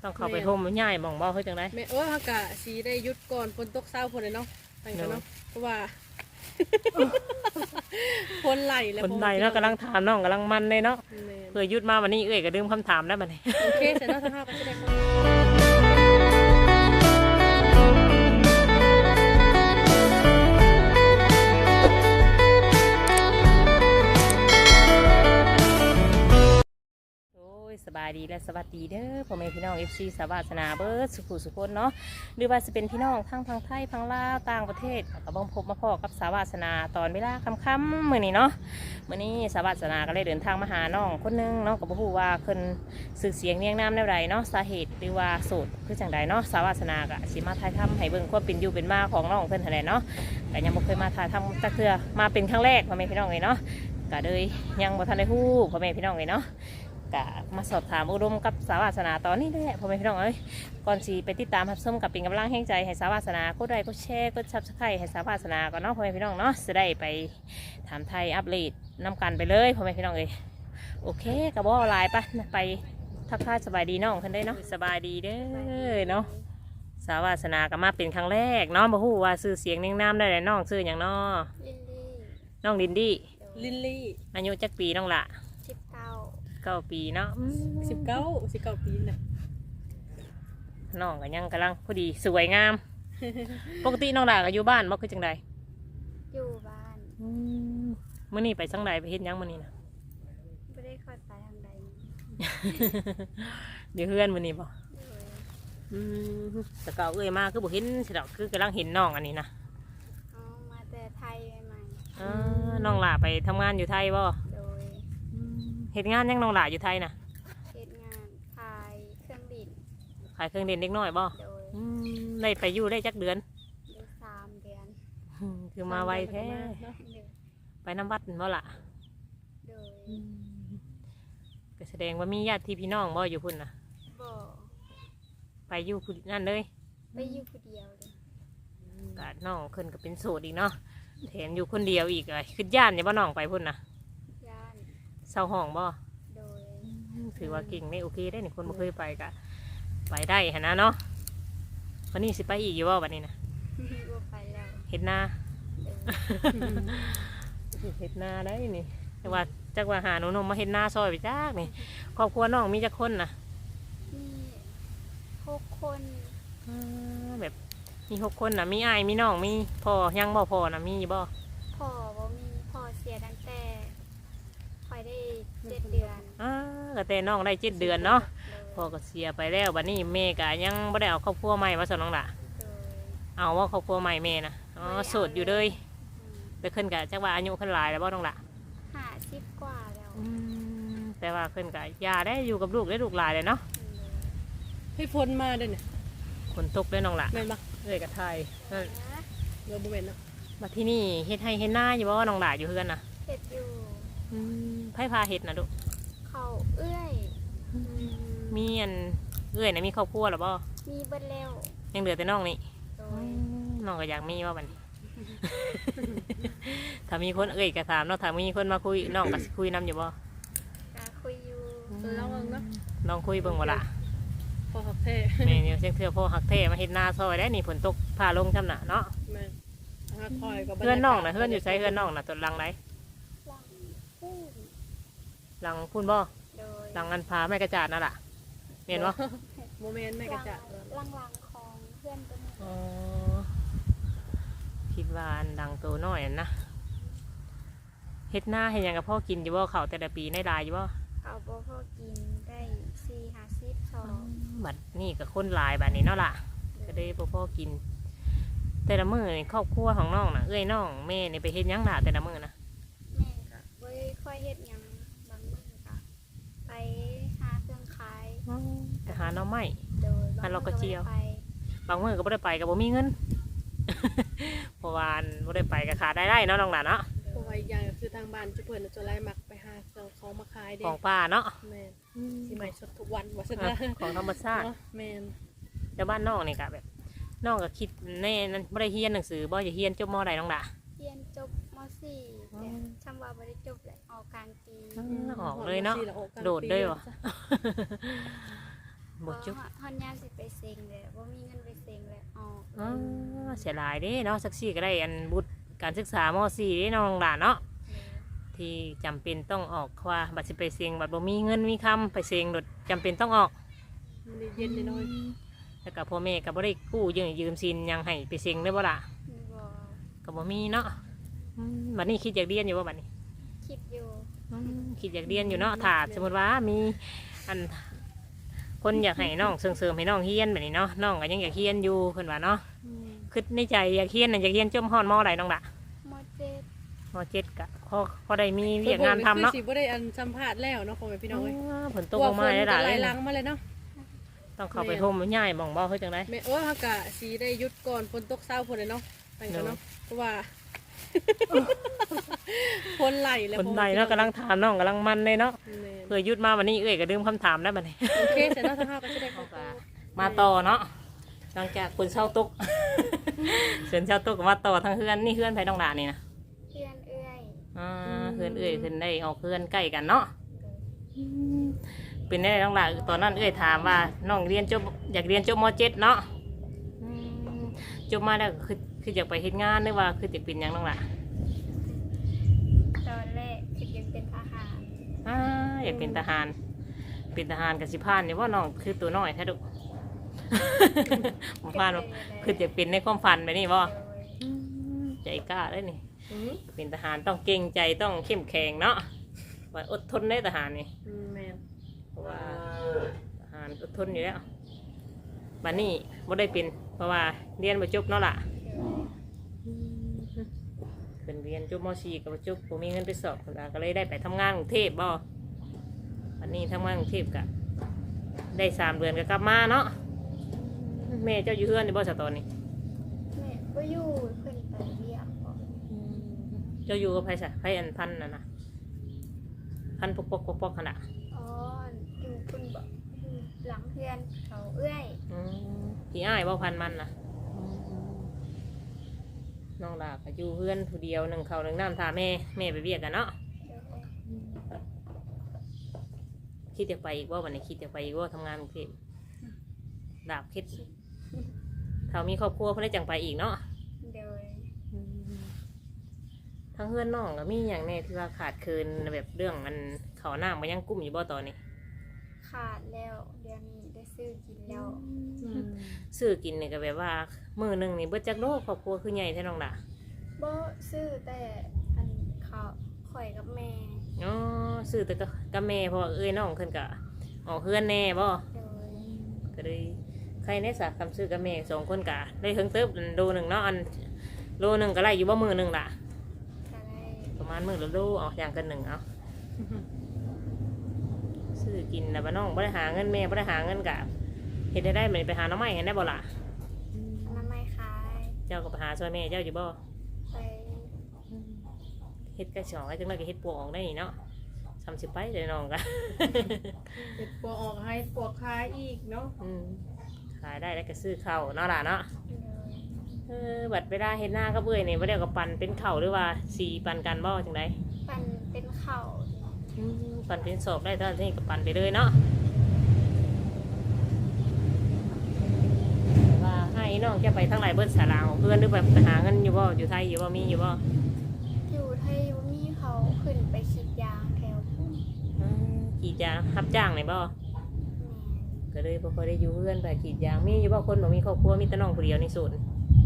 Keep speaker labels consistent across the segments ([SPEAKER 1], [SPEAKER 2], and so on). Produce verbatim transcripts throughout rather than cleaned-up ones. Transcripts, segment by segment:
[SPEAKER 1] ต้องเข้าไปห่มง่ายมองบ่เฮ้ยจังได๋
[SPEAKER 2] แม่โอ้ยเฮากะสิได้หยุดก่อนฝนตกเช้าพุ่นเลยเนาะไปกันเนาะเพราะว่าฝนไหลแล้ว
[SPEAKER 1] คนใดเนาะกำลังถามน้องกำลังมันเลยเนาะเพื่อหยุดมาวันนี้เอ้ยก็ลืมคำถามแล้วบัดนี้
[SPEAKER 2] โอเคเสร็จแล้วทั้งห้าก็สิได้
[SPEAKER 1] สบายดีและสวัสดีเด้อพ่อแม่พี่น้อง เอฟ ซี สาวาสนาเบิร์ดสุขุสุขนเนาะหรือว่าจะเป็นพี่น้องทั้งทางไทยทางลาวต่างประเทศก็บังพบมาพอกับสาวาสนาตอนเวลาค่ำๆมื้อนี้เนาะมื้อนี้สาวาสนาก็เลยเดินทางมาหาน้องคนนึงเนาะก็บ่ฮู้ว่าเพิ่นสื่อเสียงเรียงนามแนวใดเนาะสาเหตุหรือว่าโสดคือจังใดเนาะสาวาสนาก็สิมาถ่ายทำให้เบิ่งความเป็นอยู่เป็นมาของน้องเพิ่นหั่นแหละเนาะก็ยังบ่เคยมาถ่ายทำจักเทื่อมาเป็นครั้งแรกพ่อแม่พี่น้องเลยเนาะก็เลยยังบ่ทันได้ฮู้พ่อแม่พี่น้องเลยเนาะกะมาสอบถามอุดมกับสาวาสนาตอนนี้แหละพ่อแม่พี่น้องเอ้ยก่อนสีไปติดตามรับชมกับเป็นกำลังแห่งใจให้สาวาสนากดไลค์กดแชร์กดซับสไครต์ให้สาวาสนาก่อนเนาะพ่อแม่พี่น้องเนาะจะได้ไปถามไทยอัปเดตนำกันไปเลยพ่อแม่พี่น้องเอ้ยโอเคกับว่าไลน์ปะไปทักทายสบายดีน้องคันได้เนาะสบายดีเด้อเนาะสาวาสนาก็มาเป็นครั้งแรกเนาะบ่ฮู้ว่าชื่อเสียงเนียงนามได้เลยน้องชื่ออย่างเนาะน้องลินดี้
[SPEAKER 2] ลินลี่
[SPEAKER 1] อายุจักปีน้องละ
[SPEAKER 3] สิบเก้า
[SPEAKER 1] เก้าปีเนาะ
[SPEAKER 2] สิบเก้าสิบเก้าปีน่ะ
[SPEAKER 1] น้องก็ยังกำลังพอดีสวยงาม ปกติน้องดาก็อยู่บ้านบ่คือจังใด
[SPEAKER 3] อยู่บ้าน
[SPEAKER 1] มื้อนี้ไปจังใดไปเฮ็ดหยังมื้อนี้นะ
[SPEAKER 3] ไม่ได้คอยไปทางใด
[SPEAKER 1] เดี๋ยวเฮือนมื้อนี้บ่อืมแต่ก็เอ้ยมาคือบ่เห็นสิดอกคือกำลังเห็นน้องอันนี้นะ
[SPEAKER 3] อ๋อมาแต่ไทยใหม่
[SPEAKER 1] ๆอ่าน้องหล่าไปทำงานอยู่ไทยบ่
[SPEAKER 3] โดย
[SPEAKER 1] เฮ็ดงานยังน้องหล่าอยู่ไทยน่ะ
[SPEAKER 3] เฮ็ดงานขายเครื่องบิน
[SPEAKER 1] ขายเครื่องเด่นเล็กน้อยบ่
[SPEAKER 3] โดย
[SPEAKER 1] ได้ไปอยู่ได้จักเดือน
[SPEAKER 3] ได้สามเดือน
[SPEAKER 1] คือมาไวแท้ไปน้ำวัดบ่ล่ะ
[SPEAKER 3] โดย
[SPEAKER 1] ก็แสดงว่ามีญาติพี่น้องบ่อยู่พุ่นน่ะ
[SPEAKER 3] บ่
[SPEAKER 1] ไปอยู่นั่นเลย
[SPEAKER 3] ไปอยู่คนเดียวเลย
[SPEAKER 1] ก็น้องขึ้นก็เป็นโสดอีกเนาะแถมอยู่คนเดียวอีกเลยขึ้นย่านอย่าบ่น้องไปพุ่นน่ะ
[SPEAKER 3] ย่าน
[SPEAKER 1] เศร้าห้องบ่
[SPEAKER 3] โดย
[SPEAKER 1] ถือว่าเก่งไม่โอเคได้หนึ่งคนบ่เคยไปก็ไปได้ฮะนะเนาะวันนี้สิไปอีกอยู่ว่าวันนี้นะ
[SPEAKER 3] บ่ไปแล้ว
[SPEAKER 1] เห็ดนาเห็ดนาได้นี่แต่ว่าจักว่าหาหนูนมมาเห็ดนาซอยไปจักนี่ครอบครัวน้องมีจักคนนะ
[SPEAKER 3] มีหกคน
[SPEAKER 1] แบบมีหกคนนะมีอ้ายมีน้องมีพ่อยังบ่พ่อนะมีบ่
[SPEAKER 3] พ่อบ่มีพ่อเสียตั้งแต่คอยได้เจ็ดเดือน
[SPEAKER 1] อ่าก็แต่น้องได้เจ็ดเดือนเนาะพ่อก็เสียไปแล้วบัดนี้แม่ก็ยังไม่ได้เอาครอบครัวใหม่มาสอนน้องละเอาว่าครอบครัวใหม่แม่นะอ๋อโสดอยู่เลยไปขึ้นกับจักว่าอายุขึ้นหลายแล้วบ่น้องละ
[SPEAKER 3] ห้าสิบกว่าแล้ว
[SPEAKER 1] แต่ว่าขึ้นกับยาได้อยู่กับลูกได้ลูกหลายเลยเนาะ
[SPEAKER 2] ให้ฝนมาด้วยเนี่ย
[SPEAKER 1] ฝนตกด้วยน้องละ
[SPEAKER 2] แม่นปะ
[SPEAKER 1] เลยกับไทยนั่น
[SPEAKER 2] เราบ่แม่นเนาะ
[SPEAKER 1] มาที่นี่เฮ็ดให้เฮ็ดหน้าอยู่บ่น้องหลาอยู่เพื่อนนะ
[SPEAKER 3] เฮ็ดอยู่
[SPEAKER 1] ไผ่พาเฮ็ดนะลูก
[SPEAKER 3] เขาเอื้อย
[SPEAKER 1] มีอันเอื้อยนะมีครอบครัวหรอบ่
[SPEAKER 3] มีเบิดแล้ว
[SPEAKER 1] ยังเหลือแต่น้องนี่น้องก็อยากมีว่าบัดนี้ถ้ามีคนเอื้อยก็ถามเนาะถ้ามีคนมาคุยน้องก็คุยนำอยู่บ่
[SPEAKER 3] ก็คุยอยู่
[SPEAKER 2] ลองเนาะ
[SPEAKER 1] ลองคุยเบิ่งบ่ล่ะ
[SPEAKER 2] พ่อฮักแท้
[SPEAKER 1] แม่เนี่ยเสียงเทื่อพ่อฮักแท้มาเฮ็ดนาซอยได้นี่ฝนตกพาลงจำน่ะเนาะ
[SPEAKER 2] แม่ฮักคอยกับ
[SPEAKER 1] เพื่อนน้องน่ะเพื่อนอยู่ไสเพื่อนน้องน่ะตัวหลังไหนหลังพุ่นบ่หลังอันพาแม่กระจาดนั่นล่ะเห็นบ่
[SPEAKER 2] โมเมนต์แม่กระจาด
[SPEAKER 3] หลังหลังของเพื่อนตัวนี้
[SPEAKER 1] อ๋อคิดว่าอันดังโตน้อยนะเฮ็ดหน้าเฮ็ดหยังกับพ่อกินอยู่บ่เขาแต่ละปีในรายอยู่บ่
[SPEAKER 3] เขาบ่พ่อกินได้สี่ห้าสิบสอง
[SPEAKER 1] บัดนี่กับคนหลายบัดนี้เนาะล่ะก็ได้บ่พ่อกินแต่ละมื้อนี่ครอบครัวของน้องน่ะเอ้ยน้องแม่นี่ไปเฮ็ดหยังล่ะแต่ละมื้อนะ
[SPEAKER 3] แม่ก็บ่ค่อยเฮ็ดหยังบางมื้อก็ไปหาเครื่องขาย
[SPEAKER 1] ไปหาหน่อไม้หาลอกกระเจียวบางมื้อก็บ่ได้ไปก็บ่มีเงินเพราะว่าบ่ได้ไปก็ขาดได้ได้เนาะน้องหลานเนาะ
[SPEAKER 2] เพราะว่าอีกอย่างก็คือทางบ้านจะเพิ่นจะไล่มักไปหาของมาขายเด้
[SPEAKER 1] ของป่าเนาะ
[SPEAKER 2] แม่นสิใหม่สดทุกวันว่าซั่น
[SPEAKER 1] ของธรรมชาติ
[SPEAKER 2] แม่น
[SPEAKER 1] แต่บ้านน้องนี่ก็แบบน้องก็คิดแน่นั่นบ่ได้เรียนหนังสือบ่จะเรียนจบม.ใดน้องล่ะ
[SPEAKER 3] เรียนจบม.สี่แต่ชำว่าบ่ได้จบแหละออกกลางปี
[SPEAKER 1] ออกเลยเนาะโดดเลยว่ะบบ่จุบ
[SPEAKER 3] ฮอนยามสิไปเซ็งเลยบ่มีเงินไปเซ็งเลยออก
[SPEAKER 1] อ๋อเสียหลายเด้เนาะสักสี่ก็ได้อันบุตรการศึกษามสี่เด้น้องหลานเนาะที่จำเป็นต้องออกว่าบัตรสิไปเซ็งบัตรบ่มีเงินมีคำไปเซ็งโดดจำเป็นต้องออก
[SPEAKER 2] มันได้เย็นน้อย
[SPEAKER 1] แล้วก็พ่อแม่ก็บ่ได้กู้ยืมยืมสินหยังให้ไปเซ็งได้บ่ล่ะ
[SPEAKER 3] บ่
[SPEAKER 1] ก็บ่มีเนาะอืมบัดนี้คิดอยากเรียนอยู่บ่บัดนี้
[SPEAKER 3] คิดอยู่
[SPEAKER 1] อืมคิดอยากเรียนอยู่เนาะถ้าสมมติว่ามีอันคนอยากให้น้องเสริมๆให้น้องเฮียนแบบนี้เนาะน้องก็ยังอยากเฮียนอยู่เพิ่นว่าเนาะ
[SPEAKER 2] ๆอืม
[SPEAKER 1] คิดในใจอยากเฮียนน่ะอยากเฮียนจมฮ้อนมอใดน้องล่ะ
[SPEAKER 3] มอเจ็ด
[SPEAKER 1] มอเจ็ดก็พอพอได้มีเวียกงานทำเนาะ
[SPEAKER 2] คือสิบ่ได้อันสัมภาษณ์แล้วเนาะพ่อแม่พี่น้องเอ้ย
[SPEAKER 1] อ๋อฝนตกลงมาได้หลาย
[SPEAKER 2] ไหล
[SPEAKER 1] เลย
[SPEAKER 2] หลังมาเลยเนาะ
[SPEAKER 1] ต้องเข้าไปห่มง่ายบ่งบ่เฮ้ยจังได
[SPEAKER 2] แม่โอ้เฮากะสิได้หยุดก่อนฝนตกเช้าพุ่นเลยเนาะตั้งกันเนาะเพราะว่า ฝนไหลแล้ว
[SPEAKER 1] คนใดเนาะกำลังถามน้องกำลังมันเลยเนาะ
[SPEAKER 2] แม่น
[SPEAKER 1] เพื่อหยุดมาวันนี้เอ้ยก็ดื่มคำถามได้บัดนี้
[SPEAKER 2] โอเคเสร็จแล้วถ้าเฮาก็สิได้เข้าไป
[SPEAKER 1] มาต่อเนาะหลังจากคนเช่าตุก เชิญเช่าตุกก็มาต่อทางเฮือนนี่เฮือนไผน้องหลานนี่นะ
[SPEAKER 3] เพื่อนเอื้อย
[SPEAKER 1] อ่าเฮือนเอ้ยขึ้นได้ออกเฮือนใกล้กันเนาะเป็นได้น้องหลานตอนนั้นเอ้ยถามว่าน้องเรียนจบอยากเรียนจบมเจ็ดเนาะอืมจบมาแล้วคือคืออยากไปเฮ็ดงานหรือว่าคืออยากเป็นหยังน้องหลาน
[SPEAKER 3] ตอนแรกคิดยังเป็นทหาร
[SPEAKER 1] อ่าอยากเป็นทหาร เป็นทหารกับสิพานเนี่ยว่าน้องคือตัวน้อยแท้ดุ ผมพานว่าคืออยากเป็นในความฝันไปนี่บ่
[SPEAKER 3] โดย
[SPEAKER 1] ใจกล้าได้นี่
[SPEAKER 2] อืม
[SPEAKER 1] เป็นทหารต้องเก่งใจต้องเข้มแข็งเนาะว่าอดทนได้ทหารนี่
[SPEAKER 2] อืมแม่น
[SPEAKER 1] เพราะว่าทหารอดทนอยู่แล้วบัดนี้บ่ได้เป็นเพราะว่าเรียนบ่จบเนาะล่ะเป็นเรียนจบม .สี่ ก็บ่จบบ่มีเงินไปสอบพุ่นล่ะก็เลยได้ไปทำงานกรุงเทพบ่บัดนี้ทำงานกรุงเทพก็ได้สามเดือนก็กลับมาเนาะแม่เจ้าอยู่เฮือนในบ่สตอนนี้
[SPEAKER 3] แม่ก็อยู่เพิ่นไปเรียกบอก
[SPEAKER 1] เจ้าอยู่กับไผซะไผอันพันน่ะนะพันปกปกปกปกขนาด
[SPEAKER 3] อ๋ออยู่เพิ่นบอกอยู่หลังเพื่อนเขาเอื้อย
[SPEAKER 1] อืมพี่อ้ายบ่พันมันนะน้องดาก็อยู่เพื่อนผู้เดียวหนึ่งเขาวหนึ่งน้ำทาแม่แม่ไปเวียกกันเนาะ
[SPEAKER 3] เดี๋ยว
[SPEAKER 1] คิดจะไปอีกว่าวันนี้คิดจะไปอีกว่าทำงานกรุงเทพดาบคิดถ้ามีครอบครัวเพื่อได้จังไปอีกเนาะ
[SPEAKER 3] เดี๋ยว
[SPEAKER 1] ทั้งเพื่อนน้องก็มีอย่างแน่ที่ว่าขาดเคินแบบเรื่องมันเขาหน้ามันยังกุ้มอยู่บ่ตอนนี้
[SPEAKER 3] ขาดแล้วเดือนนี้ได้ซื้อกินแล้ว
[SPEAKER 2] อืม
[SPEAKER 1] ซื้อกินเนี่ยก็แบบว่ามือหนึ่งนี่เบิดจักโลครอบครัวคือใหญ่แท้น้องดา
[SPEAKER 3] บ่ซื้อแต่อันเขาข่อยกับแม่
[SPEAKER 1] อ๋อซื้อแต่ก็กับแม่เพราะว่าเอ้ยน้องเพิ่นก็ออกเพื่อนแน่บ่
[SPEAKER 3] โดย
[SPEAKER 1] ก็เลยใครในสาคำซื้อกับแม่สองคนกะได้เพิ่งเติบโลหนึ่งเนาะอันโลหนึ่งก็ไล่อยู่บ่มือหนึ่งล่ะ
[SPEAKER 3] ก็ได้
[SPEAKER 1] ประมาณมือละโลเอาอย่างกันหนึ่งเอาซื้อกินนะบ้าน้องบ่ได้หาเงินแม่บ่ได้หาเงินกะเฮ็ดได้ได้เหมือนไปหาน้ำไม้เห็นได้บ่ล่ะ
[SPEAKER 3] น้ำไม่ขาย
[SPEAKER 1] เจ้าก็ไปหาซอยแม่เจ้าอยู่บ่
[SPEAKER 3] ไป
[SPEAKER 1] เฮ็ดกระชองไอ้จังไรก็เฮ็ดปวกออกได้นี่เนาะทำสิไปเลยน้องกะ
[SPEAKER 2] เฮ็ดปัวออกให้ปัวคายอีกเนาะ
[SPEAKER 1] อืมขายได้แล้วก็ซื้อข้าวเนาะล่ะเนาะ
[SPEAKER 3] โดย
[SPEAKER 1] เออบัดเวลาเฮ็ดหน้าก็เบื่อนี่บ่ได้ก็ปั่นเป็นข้าวหรือว่าสีปั่นกันบ่จังได
[SPEAKER 3] ปั่นเป็นเข่า
[SPEAKER 1] อืมปั่นเป็นศพได้ตอนนี้ก็ปั่นไปเลยเนาะว่าให้น้องจะไปทั้งหลายเบิดสาราของเพื่อนหรือแบบไปหาเงินอยู่บ่อยู่ไทยอยู่บ่มีอยู่บ่
[SPEAKER 3] อยู่ไทยยูนี่เขาขึ้นไปฉีดยางแถวพุ่ม
[SPEAKER 1] อืมขี่ยางรับจ้างไหนบ่
[SPEAKER 3] แม่
[SPEAKER 1] ก็เลยบ่ค่อยได้อยู่เพื่อนไปขี่ยางมีอยู่บ่คนบ่มีครอบครัวมีแต่น้องผู้เดียวในศูนย์
[SPEAKER 3] แม่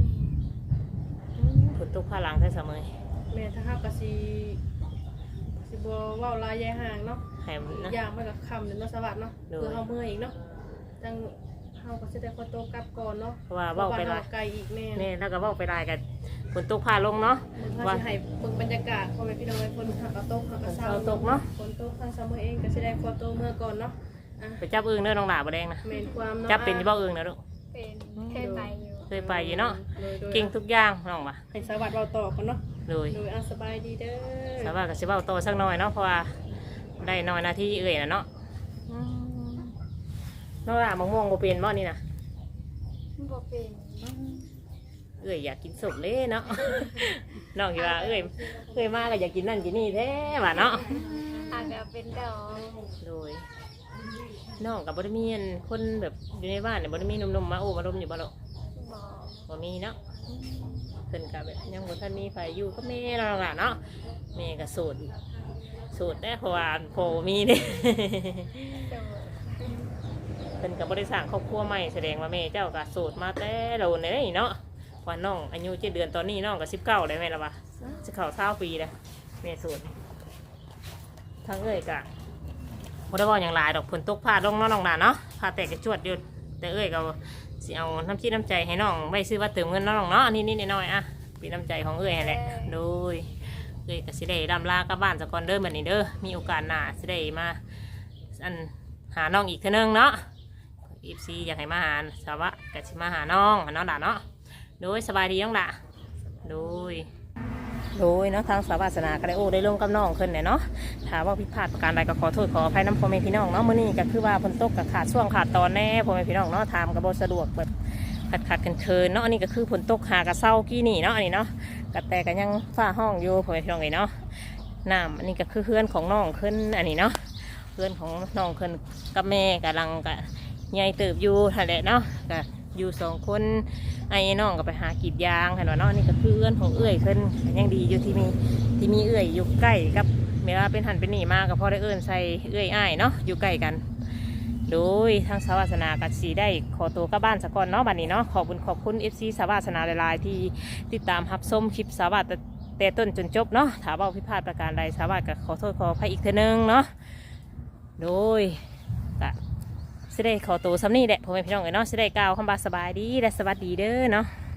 [SPEAKER 1] ฝนตกผ้าหลังใส่เสมอ
[SPEAKER 2] แม่ถ้าเฮาก็สิสิบ่เว้าลายยายห่างเนาะ
[SPEAKER 1] ให้
[SPEAKER 2] อี
[SPEAKER 1] นะ
[SPEAKER 2] กอย่างมันก็ค่ำเดี๋ยวเนาะสวัสดิ์เนาะ
[SPEAKER 1] โดย
[SPEAKER 2] เพื่อเฮาเมื่อยอีกเนาะจังเฮาก็สิได้ขอตัวกลับก่อนเนาะ
[SPEAKER 1] เพราะว่าเว้าไปหลาย
[SPEAKER 2] เพระว่เฮไกลอีกแม่
[SPEAKER 1] แม่แล้วก็เว้าไปหลายกันฝนตกผ้าลงเนาะ
[SPEAKER 2] ถ้า
[SPEAKER 1] ว่า
[SPEAKER 2] สิให้เบิ่งบรรยากาศพ่อแม่พี่น้องให้คนหักกระตกหักกระเซา
[SPEAKER 1] ฝนตกเนาะ
[SPEAKER 2] ฝนตกทางซัมเมอร์เองก็สิได้ขอตัวเมื่อก่อนเนาะอ่ะ
[SPEAKER 1] ไปจับอึ่งเด้อน้องหลาบ่แดงนะ
[SPEAKER 2] แม่นความเนาะ
[SPEAKER 1] จับเป็นอยู่บ่อึ่งนะลูก
[SPEAKER 3] เป็นเคยไปอยู่
[SPEAKER 1] เคยไปอยู่เนาะ
[SPEAKER 2] โดยโดย
[SPEAKER 1] เก่งทุกอย่างน้องว่ะ
[SPEAKER 2] ให้สวัสดิ์เราต่อกันเนาะ
[SPEAKER 1] โดย
[SPEAKER 2] โดยอ่ะสบายดีเด้อ
[SPEAKER 1] สาวาก็สิเว้าโตสักหน่อยเนาะเพราะว่าได้น้อยหนาที่เอ่ยนะเนาะน้องหลามะม่วงบ่เป็นบ่นี่นะ
[SPEAKER 3] บ่เป็น
[SPEAKER 1] เอ่ยอยากกินสมเลยเนาะ น้องคิดว่าเอ่ยเอ่ยมาก็อยากกินนั่นกินนี่แท้ว่ะเนาะ
[SPEAKER 3] อาจจะเป็นดอก
[SPEAKER 1] โดยน้องกับบริมีอันคนแบบอยู่ในบ้านเนี่ยบริมีหนุ่มๆมาโอ้มาลมอยู่บ่หรอก
[SPEAKER 3] บอก
[SPEAKER 1] บ่มีเนาะเพิ่นกับแบบยังบ่ทันมีไฟอยู่ก็แม่เราล่ะเนาะแม่ก็โสดโสดได้เพราะว่าโผมีเด้
[SPEAKER 3] โดย
[SPEAKER 1] เพิ่นกับบริษัทครอบครัวใหม่แสดงว่าแม่เจ้าก็โสดมาแต่โดนเลยเนาะว่าน้องอายุเจ็ดเดือนตอนนี้น้องก็สิบเก้าเลยแม่ละวะจะเข้าเท่าปีแล้วแม่โสดทั้งเอ้ยกะบ่ได้ว่าอย่างหลายดอกเพิ่นตกพลาดลงเนาะน้องหลานเนาะพาแตกกระจวดอยู่แต่เอ้ยก็สิเอาน้ำจิตน้ำใจให้น้องไว้ซื้อว่าเติมเงินเนาะน้องเนาะนี่นี่น้อยๆอ่ะเป็นน้ำใจของเอ้ยนั่นแหละโดยเอ้ยก็สิได้ดำลากลับบ้านสะก่อนเด้อบัดนี้เด้อมีโอกาสหน้าสิได้มาอันหาน้องอีกเทื่อนึงเนาะอีฟซีอยากให้มาหาสาวะก็สิมาหาน้องหาน้องด่าเนาะโดยสบายดีน้องด่าโดยโดยเนาะทางสาวาสนาก็ได้โอ้ได้ร่วมกับน้องขึ้นเนี่ยเนาะถามว่าผิดพลาดประการใดก็ขอโทษขออภัยน้ำพ่อแม่พี่น้องเนาะมื้อนี้ก็คือว่าฝนตกกับขาดช่วงขาดตอนแน่พ่อแม่พี่น้องเนาะถามกับบสะดวกแบบขาดขาดเคินๆเนาะอันนี้ก็คือฝนตกหากระเซ้ากี้นี่เนาะอันนี้เนาะกระแตกันยังฝ้าห้องอยู่พ่อแม่พี่น้องเลยเนาะน้ำอันนี้ก็คือเพื่อนของน้องขึ้นอันนี้เนาะเพื่อนของน้องขึ้นกับแม่กำลังกับใหญ่เติบอยู่นั่นแหละเนาะก็อยู่สองคนไอ้น้องก็ไปหากรีดยางเห็นว่าเนาะนี่ก็คือเอื้อนของเอื้อยขึ้นยังดีอยู่ที่มีที่มีเอื้อยอยู่ใกล้กับเวลาเป็นหันเป็นหนีมากก็พอได้เอื้อนใส่เอื้อยอ้ายเนาะอยู่ใกล้กันโดยทางสาวาสนากัสีได้ขอตัวกลับบ้านสักก่อนเนาะบัดนี้เนาะขอบคุณขอบคุณเอฟซีสาวาสนาหลายๆที่ติดตามรับชมคลิปสาวาสแต่ต้นจนจบเนาะถามว่าผิดพลาดประการใดสาวาสก็ขอโทษขออภัยอีกเทีนึงเนาะโดยก็สิได้ขอตัวซ้ำนี่แหละพ่อแม่พี่น้องเอ๋ยเนาะสิได้กล่าวคำบาสบายดีและสวัสดีเด้อเนาะ